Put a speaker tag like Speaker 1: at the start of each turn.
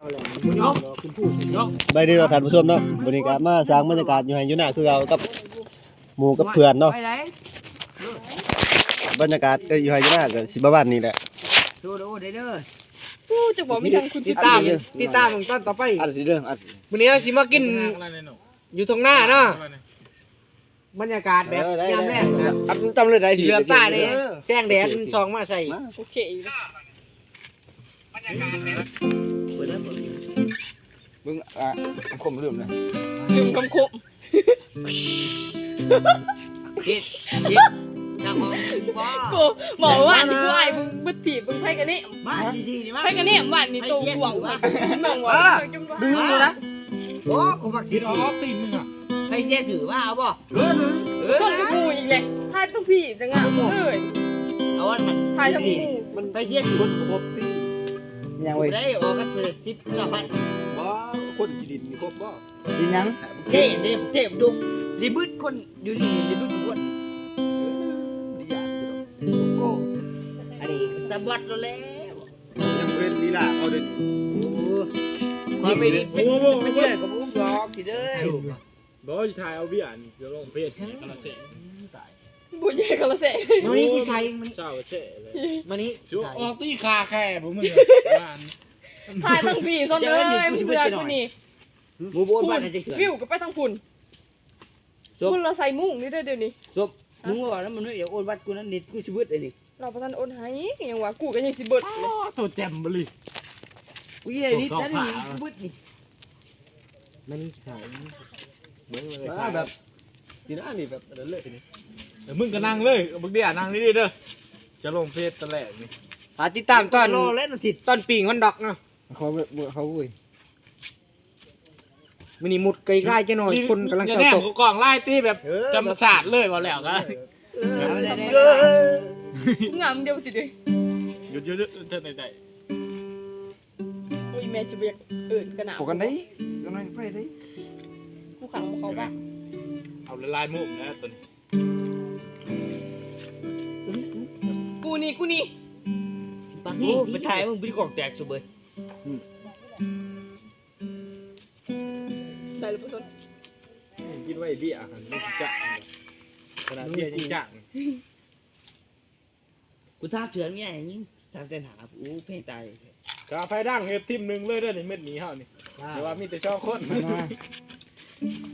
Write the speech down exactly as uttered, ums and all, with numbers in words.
Speaker 1: ไปดีเราท่านผู้ชมเนาะบรรยากาศมาสร้างบรรยากาศอยู่ให้อยู่หน้าคือเรากับหมู่กับเพื่อนเนาะบรรยากาศก็อยู่ให้อยู่หน้าก็สิประมาณนี้แหละ
Speaker 2: ดูดูเด้อ
Speaker 3: กูจะบอกมีทางคุณ
Speaker 2: ติดตามติดตามของต้นต่อไปอัดสิเด้ออัดมื้อนี้สิมากินอยู่ตรงหน้าเนาะบรรยากาศแบบยามแรกอัดจำเลยได้เหลือตาเลยแสงแดดส่องมาใส่
Speaker 3: โอเค
Speaker 2: บรรยากาศแบบมึงอ่ะคมลืมนะ
Speaker 3: ลืมคำคม
Speaker 2: คิดคิดจังว่า
Speaker 3: กูบอกว่านี่กูไอ้มึงบึ้ดถีบมึงไพ่กันนี่
Speaker 2: มาดีๆนี่มา
Speaker 3: ไพ่กันนี่บ้านนี่โตหวังว่าหนึ่งว่า
Speaker 2: ดึงมึงนะโอ้กูฝักสิอ๋อตีมึงอ่ะไพ่เสียสื่อว่าเอาบ่เออ
Speaker 3: ส่วนกูอีกเลยทายต้องพี่จังอ่ะเอ้ย
Speaker 2: เอาวันมัน
Speaker 3: ทายต้องกู
Speaker 2: มันไพ่เสียสื่อคนครบตียังไงได้ออกกันเป็นสิบกว่าพัน
Speaker 1: บ่คนที่ดินมีครบบ่
Speaker 2: ดินยังเท่เท่เท่ดุรีบึดคนอยู่นี่รีบึดคน
Speaker 1: ดีอยากอยู่
Speaker 2: โก้อันนี้สะบัดแล้ว
Speaker 1: ยังเป็นลีลาเอาเด้อ
Speaker 2: โอ้ความไม่ดีไม่ไม่เชื่อกับผมหรอกทีเด้อ
Speaker 4: บ่อยู่ถ่ายเอาเบี้ยนี่จะลงเพจกระเสตาย
Speaker 3: บุญใหญ่กระเส
Speaker 2: มันนี่ที่ใครมัน
Speaker 4: เจ้ากระเสเลย
Speaker 2: มันนี่
Speaker 4: ชัวออกตีคาแค่ผมมึงบ้าน
Speaker 3: ทายต้องพี่ส้นเลยมึงเสือกูนี่
Speaker 2: มูโบนบ้านจะเกิด
Speaker 3: วิวก็ไปทางพุ่นพุ่นเราใส่มุ้งนี่ได้เดี๋ยวนี้
Speaker 2: จบมึงว่าแล้วมันไม่อยากโอนวัดกูนั่นนิดกูชีวิตไอ้นี่
Speaker 3: เราประทานโอนให้ยังว่ากูก็ยังสิเบิดเลย
Speaker 4: ตัวแจ่มบลิ
Speaker 2: กูยัยนิดนั่นนี่ชีวิตนี่มันนี่ใช่
Speaker 4: เหมือนเลยแบบทีนั้นนี่แบบเดินเลยทีนี้เดี๋ยวมึงก็นั่งเลยมึงเดี๋ยวนั่งนี่เด้อจะลงเพจตะแหลกนี่
Speaker 2: หาติดตามตอนตอนปีงมันดอกเนาะเขาเขาอุ้ยมันนี่มุดไกลๆจะหน่อยคนกำลัง
Speaker 4: จะแน่กล่องไล่ตีแบบจำศาสตร์เลยว่าแล้วก็
Speaker 3: งามเดียวสิเด้
Speaker 4: หยุดหยุดเท่าไหนได้
Speaker 3: โอ้ยแม่จะเบียกเอิญกันหนาว
Speaker 2: กันได้กำลังไปได้
Speaker 3: กูขังเขาบ้าง
Speaker 4: เอาลายมุกนะตัวนี้
Speaker 3: กูนี่กูนี่
Speaker 2: ปากนี่ไปถ่ายมึงไปกล่องแตกสุดเลย
Speaker 3: ได้หรือเปล่า
Speaker 4: กินไว้เบี้ยหันไม่จักขนาดเบี้ยยังจัก
Speaker 2: กูท้าเถื่อนไงยิ่งทางเส้นหาอู้เพ่ตาย
Speaker 4: กาไฟดังเฮ็ดทิมหนึ่งเลยเด้อนี่เม็ดหมีเฮานี่แต่ว่ามีแต่ชอบคน